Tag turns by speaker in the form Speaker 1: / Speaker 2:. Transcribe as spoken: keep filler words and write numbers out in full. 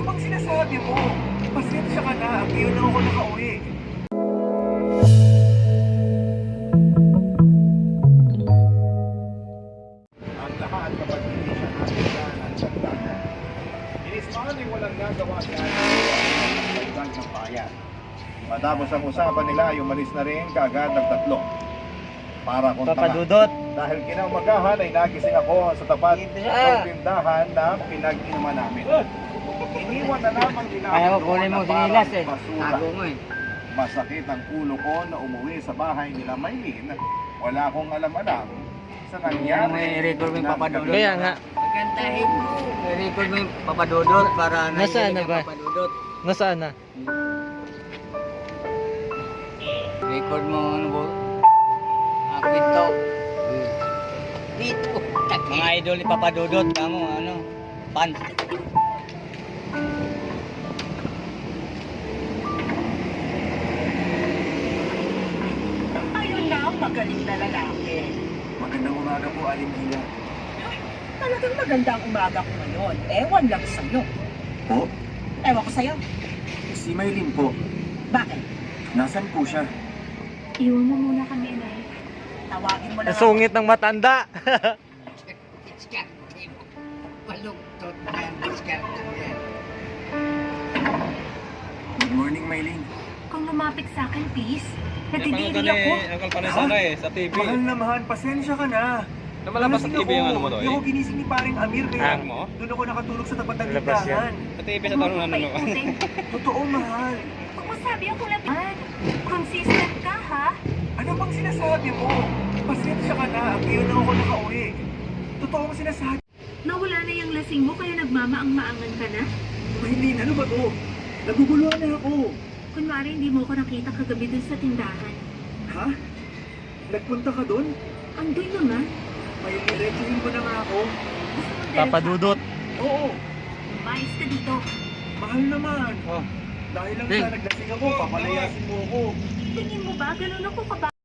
Speaker 1: bang sinasabi mo? Pasensya ka na. Ngayon lang ako nakauwi. Ang lahat kapag hindi siya nakita ng sandagan. Inismahan ay walang nagawa si Ana ang dagdag ng bayan. Matapos ang usapan nila, umalis na rin kaagad ng tatlo. Para kung tanga.
Speaker 2: Papadudot.
Speaker 1: Dahil kinaumagahan ay nagising ako sa tapat ng tindahan na pinag-inuman namin. Iniwan na lamang nila
Speaker 2: Kaya mo
Speaker 1: ako
Speaker 2: kunin mo
Speaker 1: na
Speaker 2: sinilas
Speaker 1: parang
Speaker 2: eh.
Speaker 1: basura.
Speaker 2: Tago mo eh.
Speaker 1: Masakit ang ulo ko na umuwi sa bahay nila Maylin. Wala akong alam-alam sa
Speaker 2: Yan
Speaker 1: nangyari.
Speaker 2: mo i-record mo yung papadudot.
Speaker 3: Kaya nga.
Speaker 2: Kantahin mo. I-record mo yung papadudot para
Speaker 3: Nasaan na
Speaker 2: naiintindihan
Speaker 3: ba?
Speaker 2: yung papadudot.
Speaker 3: Nasaan na?
Speaker 2: Record mo ano po. Ah, kwento. Dito. Mga idol ni papadudot. Kamo ano. Pan.
Speaker 4: Ayun na ang magaling na lalaki.
Speaker 1: Magandang umaga po, Aling Gila.
Speaker 4: Talagang maganda ang umaga ko ngayon. Ewan lang sa'yo.
Speaker 1: Po?
Speaker 4: Ewan ko sa'yo.
Speaker 1: Si Maylin po.
Speaker 4: Bakit?
Speaker 1: Nasaan po siya?
Speaker 5: Iwan mo muna kami, Nay.
Speaker 4: Tawagin mo lang
Speaker 3: Ang sungit ng matanda.
Speaker 2: Diskarte mo. Palugtot na yan. Diskarte mo yan.
Speaker 1: Good morning, Maylin.
Speaker 5: Kung lumapit sa akin, please.
Speaker 6: Napanood
Speaker 5: Natidiri
Speaker 6: ka
Speaker 5: ako.
Speaker 6: ni Uncle Panisana eh, sa T V.
Speaker 1: Mahal na mahal, pasensya ka na.
Speaker 6: Lumalabas sa T V yung ano mo to
Speaker 1: Hindi ako
Speaker 6: eh.
Speaker 1: ginising ni paring Amir kaya
Speaker 6: Ano mo?
Speaker 1: doon ako nakatulog sa tapat ng
Speaker 3: Labas
Speaker 1: tindahan.
Speaker 6: Sa T V sa tanong ano no.
Speaker 5: Paikutin.
Speaker 1: Totoo, mahal.
Speaker 5: Kung masabi ako laban, consistent ka, ha?
Speaker 1: Ano bang sinasabi mo? Pasensya ka na. Ngayon lang ako nakauwi. Totoo ang sinasabi.
Speaker 5: Nawala na yung lasing mo kaya nagmamaang-maangan ka na?
Speaker 1: Maylin, ano ba to? Naguguluhan na ako.
Speaker 5: Kunwari hindi mo ko nakita kagabi dun sa tindahan.
Speaker 1: Ha? Nagpunta ka doon?
Speaker 5: Andoy naman.
Speaker 1: Maylin, retuhin mo na nga ako.
Speaker 5: Gusto mo dahil
Speaker 3: Papadudot.
Speaker 1: Oo,
Speaker 5: Umayos ka dito.
Speaker 1: mahal naman.
Speaker 3: Oh.
Speaker 1: Dahil lang
Speaker 3: Hey.
Speaker 1: sa naglasing ako, papalayasin mo ako.
Speaker 5: Tingin mo ba? Ganun ako ka ba?